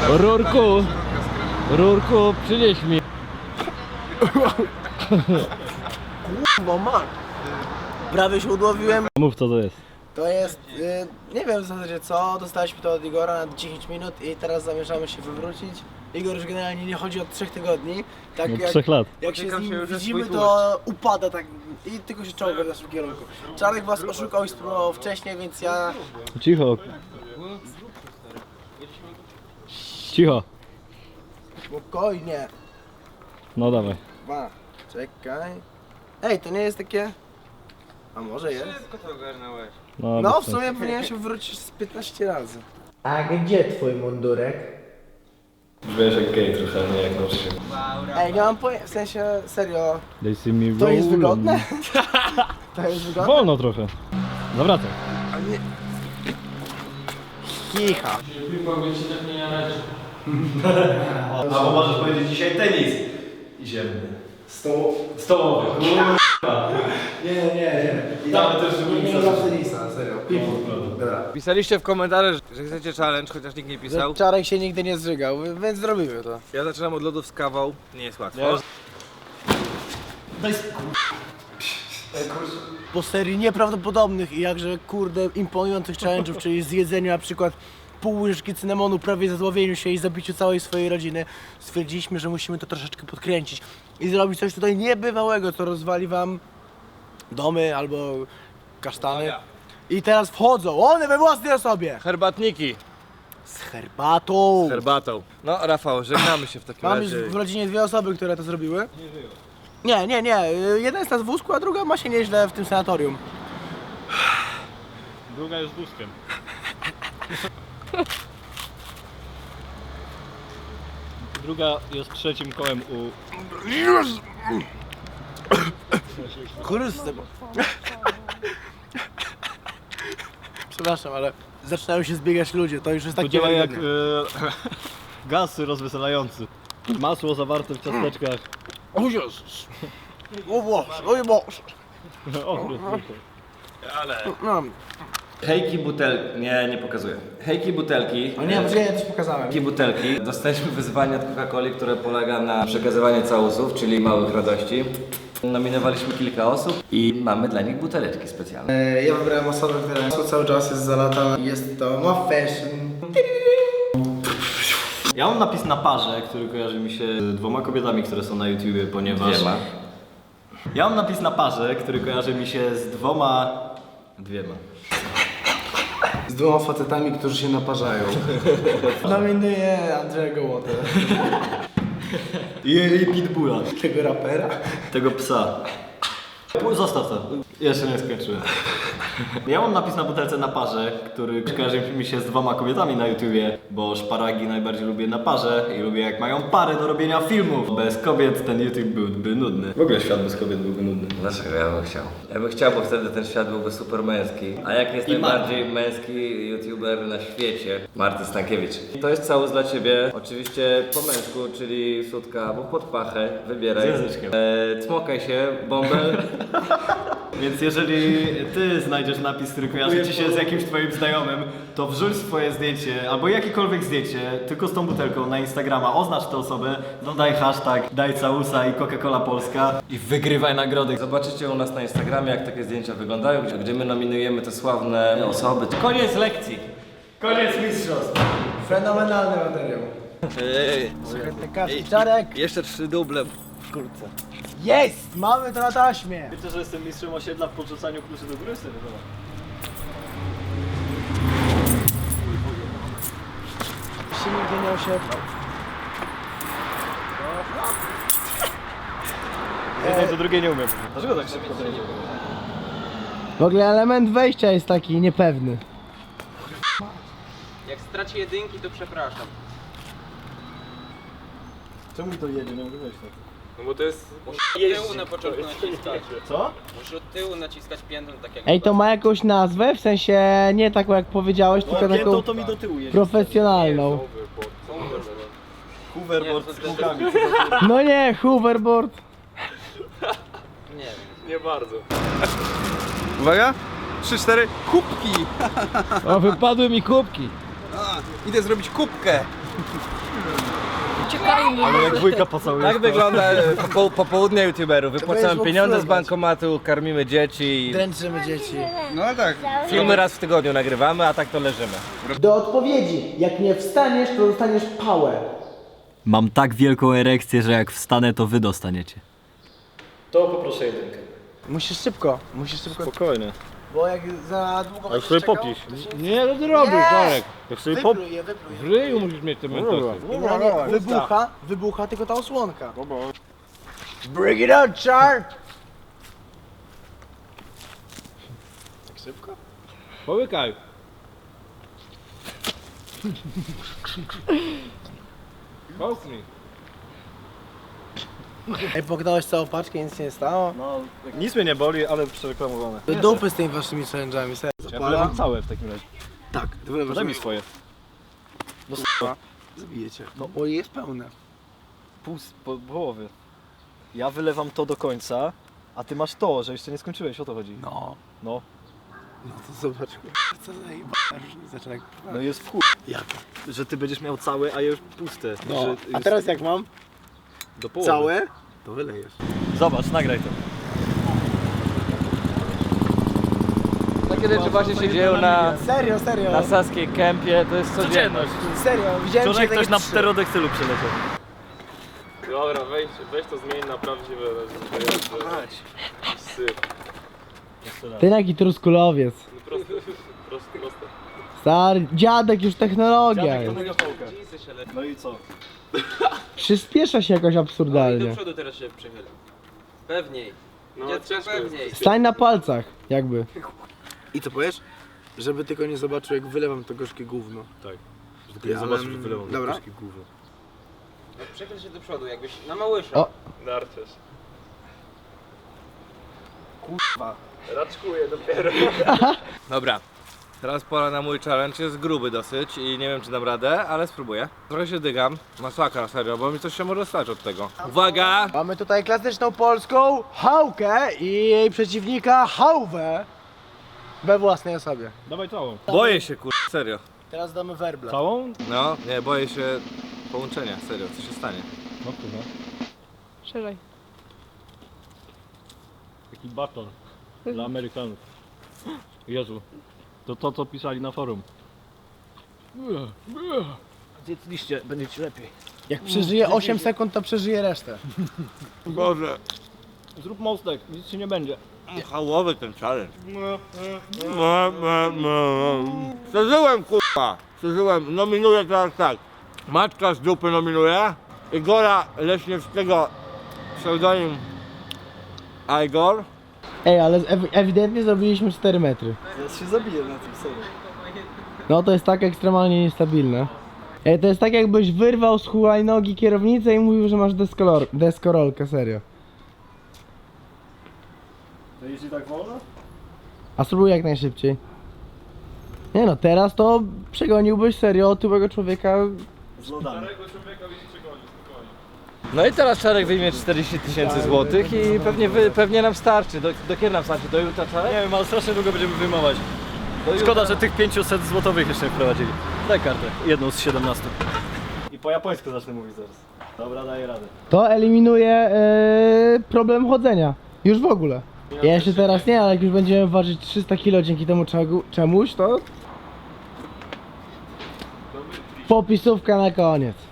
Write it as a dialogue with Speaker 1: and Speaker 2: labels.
Speaker 1: Rurku, przynieś mi.
Speaker 2: Bo man. Prawie się udłowiłem.
Speaker 1: Mów co to jest.
Speaker 2: To jest, nie wiem w zasadzie co, dostaliśmy to od Igora na 10 minut i teraz zamierzamy się wywrócić. Igor już generalnie nie chodzi od 3 tygodni. Tak
Speaker 1: Od
Speaker 2: jak,
Speaker 1: 3 lat.
Speaker 2: jak się z nim widzimy, to upada tak i tylko się czołga w naszym kierunku. Czarek was oszukał i spróbował wcześniej, więc ja...
Speaker 1: Cicho. Cicho.
Speaker 2: Spokojnie.
Speaker 1: No dawaj.
Speaker 2: Czekaj. Ej, to nie jest takie... A może jest?
Speaker 3: Wszystko to ogarnąłeś.
Speaker 2: No w sumie powinienem się wrócić z 15 razy. A gdzie twój mundurek?
Speaker 4: Wiesz jak gej trochę, nie jak nauczyciel.
Speaker 2: Ej, nie mam pojęcia, w sensie serio.
Speaker 1: They see me
Speaker 2: To jest
Speaker 1: rolling.
Speaker 2: wygodne? To jest wygodne?
Speaker 1: Wolno trochę. Zawracaj.
Speaker 2: Kicha.
Speaker 4: Albo możesz powiedzieć dzisiaj tenis. I ziemny. Stołowy.
Speaker 2: Nie.
Speaker 4: I tam też
Speaker 2: Nie mam tenisa, serio. Dobra.
Speaker 3: Pisaliście w komentarzach, że chcecie challenge, chociaż nikt nie pisał.
Speaker 2: Czarek się nigdy nie zżygał, więc zrobimy to.
Speaker 3: Ja zaczynam od lodów z kawą. Nie jest łatwo.
Speaker 2: Po serii nieprawdopodobnych i jakże kurde imponujących challenge'ów, czyli zjedzeniu na przykład pół łyżki cynamonu, prawie zadławieniu się i zabiciu całej swojej rodziny, stwierdziliśmy, że musimy to troszeczkę podkręcić i zrobić coś tutaj niebywałego, co rozwali wam domy albo kasztany. I teraz wchodzą one we własnej osobie
Speaker 3: Herbatniki
Speaker 2: z herbatą.
Speaker 3: z herbatą. No Rafał, żegnamy się w takim
Speaker 2: Mam już
Speaker 3: razie.
Speaker 2: w rodzinie 2 osoby, które to zrobiły. Nie. Jedna jest na wózku, a druga ma się nieźle w tym sanatorium.
Speaker 1: Druga jest wózkiem. Druga jest trzecim kołem u...
Speaker 2: Chryste. Przepraszam, ale zaczynają się zbiegać ludzie, to już jest
Speaker 1: To
Speaker 2: tak
Speaker 1: działa jak
Speaker 2: niewiarygodne.
Speaker 1: gaz rozweselający. Masło zawarte w ciasteczkach.
Speaker 2: O Jezus! O Boże, o Boże!
Speaker 1: O,
Speaker 2: No.
Speaker 4: Hejki butelki. Nie pokazuję. Hejki butelki.
Speaker 2: O nie, ja też pokazałem.
Speaker 4: Hejki butelki. Dostaliśmy wyzwanie od Coca-Coli, które polega na przekazywanie całusów, czyli małych radości. Nominowaliśmy kilka osób i mamy dla nich buteleczki specjalne.
Speaker 2: Ja wybrałem osobę, która cały czas jest zalatana. Jest to Ma Fashion.
Speaker 1: Ja mam napis na parze, który kojarzy mi się z 2 kobietami, które są na YouTubie, ponieważ...
Speaker 4: Dwiema.
Speaker 1: Ja mam napis na parze, który kojarzy mi się z 2...
Speaker 2: Z 2 facetami, którzy się naparzają. Nominuję Andrzeja Gołotę.
Speaker 1: I Pitbulla.
Speaker 2: Tego rapera.
Speaker 1: Tego psa. Zostaw to. Jeszcze nie skończyłem. Ja mam napis na butelce na parze, który kojarzy mi się z 2 kobietami na YouTubie, bo szparagi najbardziej lubię na parze i lubię jak mają pary do robienia filmów. Bez kobiet ten YouTube byłby nudny. W ogóle świat bez kobiet byłby nudny.
Speaker 4: Dlaczego ja bym chciał? Ja bym chciał, bo wtedy ten świat byłby super męski. A jak jest najbardziej męski YouTuber na świecie? Marty Stankiewicz. To jest całus dla ciebie. Oczywiście po męsku, czyli sutka albo pod pachę. Wybieraj.
Speaker 1: Z języczkiem.
Speaker 4: Cmokaj się, bąbel.
Speaker 1: Więc jeżeli ty znajdziesz napis, który kojarzy ci się z jakimś twoim znajomym, to wrzuć swoje zdjęcie, albo jakiekolwiek zdjęcie, tylko z tą butelką na Instagrama, oznacz tę osobę, dodaj hashtag daj całusa i Coca-Cola Polska i wygrywaj nagrody.
Speaker 4: Zobaczycie u nas na Instagramie, jak takie zdjęcia wyglądają, gdzie my nominujemy te sławne osoby.
Speaker 1: Koniec lekcji. Koniec mistrzostw.
Speaker 2: Fenomenalny materiał.
Speaker 3: Ej,
Speaker 2: Czarek!
Speaker 3: jeszcze 3 duble w kurce.
Speaker 2: Jest! Mamy to na taśmie!
Speaker 1: Wiecie, że jestem mistrzem osiedla w podrzucaniu kluczy do góry? Sobie
Speaker 2: Się nigdy nie osiedlał.
Speaker 1: jednej do drugiej nie umiem. Dlaczego tak szybko to idzie?
Speaker 2: W ogóle element wejścia jest taki niepewny.
Speaker 5: Jak straci jedynki, to przepraszam.
Speaker 1: Czemu to jedzie? Nie mogę wejść tak.
Speaker 5: No bo to jest... Musisz od tyłu na początku naciskać.
Speaker 1: Co?
Speaker 5: Musisz od tyłu naciskać piętą, tak jak...
Speaker 2: Ej, to ma jakąś nazwę? W sensie nie taką jak powiedziałeś, tylko
Speaker 1: Piętą
Speaker 2: taką
Speaker 1: to mi do tyłu jedzie.
Speaker 2: profesjonalną.
Speaker 1: Hoverboard z kółkami.
Speaker 2: No nie, hoverboard.
Speaker 5: Nie wiem.
Speaker 3: Nie bardzo. Uwaga! 3-4, kubki!
Speaker 2: O, wypadły mi kubki.
Speaker 3: Idę zrobić kubkę!
Speaker 1: Ale jak dwójka pocałuje.
Speaker 3: Tak wygląda popołudnie youtuberów. Wypłacamy
Speaker 2: jest
Speaker 3: pieniądze z
Speaker 2: obsługa.
Speaker 3: bankomatu, karmimy dzieci.
Speaker 2: Dręczymy dzieci.
Speaker 3: No tak. Filmy raz w tygodniu nagrywamy, a tak to leżymy.
Speaker 2: Do odpowiedzi. Jak nie wstaniesz, to dostaniesz pałę.
Speaker 1: Mam tak wielką erekcję, że jak wstanę, to wy dostaniecie. To poproszę jedynkę.
Speaker 2: Musisz szybko.
Speaker 1: Spokojnie.
Speaker 2: Bo jak za długo
Speaker 6: Ale sobie
Speaker 2: czekał,
Speaker 6: popisz.
Speaker 2: to się
Speaker 6: Nie, no ty robisz, Czarek. Jak sobie pop...
Speaker 2: Wypluj je.
Speaker 6: W ryju musisz mieć te mentosy.
Speaker 2: Wybucha tylko ta osłonka. Bring it on, Char!
Speaker 6: Połykaj. Połknij.
Speaker 2: Ej, poknąłeś całą paczkę i nic się nie stało?
Speaker 1: No, nic mnie nie boli, ale przereklamowane.
Speaker 2: Do dupy z tymi waszymi challenge'ami, serio.
Speaker 1: Ja wylewam całe w takim razie.
Speaker 2: Tak, ty wylewasz
Speaker 1: Daj mi swoje. No
Speaker 2: Zabijecie. No, o, jest pełne.
Speaker 1: pół połowy. Ja wylewam to do końca, a ty masz to, że jeszcze nie skończyłeś, o to chodzi.
Speaker 2: No.
Speaker 1: No,
Speaker 2: No to zobacz, co za różnica, jak...
Speaker 1: no jest w chuj,
Speaker 2: Jak?
Speaker 1: że ty będziesz miał całe, a ja już puste.
Speaker 2: No,
Speaker 1: Że
Speaker 2: a
Speaker 1: jest
Speaker 2: teraz jak mam?
Speaker 1: do połowy.
Speaker 2: Całe? To wylejesz.
Speaker 1: Zobacz, nagraj to.
Speaker 3: Takie rzeczy właśnie się dzieją
Speaker 2: Serio, serio.
Speaker 3: na Saskiej Kępie, to jest codzienność.
Speaker 2: Serio, widziałem
Speaker 1: Wczoraj
Speaker 2: cię
Speaker 1: ktoś na
Speaker 2: trzy.
Speaker 1: pterodektylu przyleciał.
Speaker 6: Dobra, weź to zmień na prawdziwe.
Speaker 2: Ty jaki truskulowiec.
Speaker 6: Proste.
Speaker 2: Stary, dziadek już technologia jest.
Speaker 1: No i co?
Speaker 2: Przyspiesza się jakoś
Speaker 5: Do
Speaker 2: absurdalnie.
Speaker 5: przodu teraz się przychyl. Pewniej.
Speaker 6: No,
Speaker 5: Dziecko
Speaker 6: ciężko jest.
Speaker 5: pewniej.
Speaker 2: Stań na palcach, jakby. I co powiesz? Żeby tylko nie zobaczył, jak wylewam to gorzkie gówno.
Speaker 6: Tak.
Speaker 2: Ja zobaczysz, że wylewam dobra.
Speaker 5: No, przychyl się do przodu, jakbyś na małysza.
Speaker 2: O.
Speaker 6: Narciarz. Kurwa. Raczkuję dopiero.
Speaker 3: Dobra. Teraz pora na mój challenge, jest gruby dosyć i nie wiem czy dam radę, ale spróbuję. Trochę się dygam, masakra serio, bo mi coś się może stać od tego. Uwaga!
Speaker 2: Mamy tutaj klasyczną polską hałkę i jej przeciwnika hałwę we własnej osobie.
Speaker 6: Dawaj całą.
Speaker 3: Boję się serio.
Speaker 2: Teraz damy werbla.
Speaker 6: Całą?
Speaker 3: No, nie, boję się połączenia, serio, co się stanie.
Speaker 6: No kurwa.
Speaker 7: Szerzej.
Speaker 6: Taki baton dla Amerykanów. Jezu. To to co pisali na forum.
Speaker 1: Zjedliście, będzie ci lepiej.
Speaker 2: Jak przeżyje 8 sekund, to przeżyje resztę.
Speaker 3: Boże.
Speaker 6: Zrób mostek, nic ci nie będzie.
Speaker 3: Hałowy ten challenge. Przeżyłem kurwa. Przeżyłem, nominuję teraz tak. Matka z dupy nominuje. Igora Leśniewskiego, pseudonim Igor.
Speaker 2: Ej, ale ewidentnie zrobiliśmy 4 metry.
Speaker 1: Zaraz się zabiję na tym serio.
Speaker 2: No to jest tak ekstremalnie niestabilne. Ej, to jest tak jakbyś wyrwał z hulajnogi kierownicę i mówił, że masz deskorolkę, serio.
Speaker 1: To jeździ tak wolno?
Speaker 2: A spróbuj jak najszybciej. Nie no, teraz to przegoniłbyś serio otyłego człowieka.
Speaker 1: Z lodami.
Speaker 3: No i teraz Czarek wyjmie 40 000 złotych i pewnie nam starczy. Do kiedy nam starczy? Do jutra Czarek?
Speaker 1: Nie wiem, ale strasznie długo będziemy wyjmować. Szkoda, że tych 500 złotowych jeszcze nie wprowadzili. Daj kartę, jedną z 17. I po japońsku zacznę mówić zaraz. Dobra, daję radę.
Speaker 2: To eliminuje problem chodzenia. Już w ogóle. Ja jeszcze teraz nie, ale jak już będziemy ważyć 300 kg dzięki temu czemuś, to... Popisówka na koniec.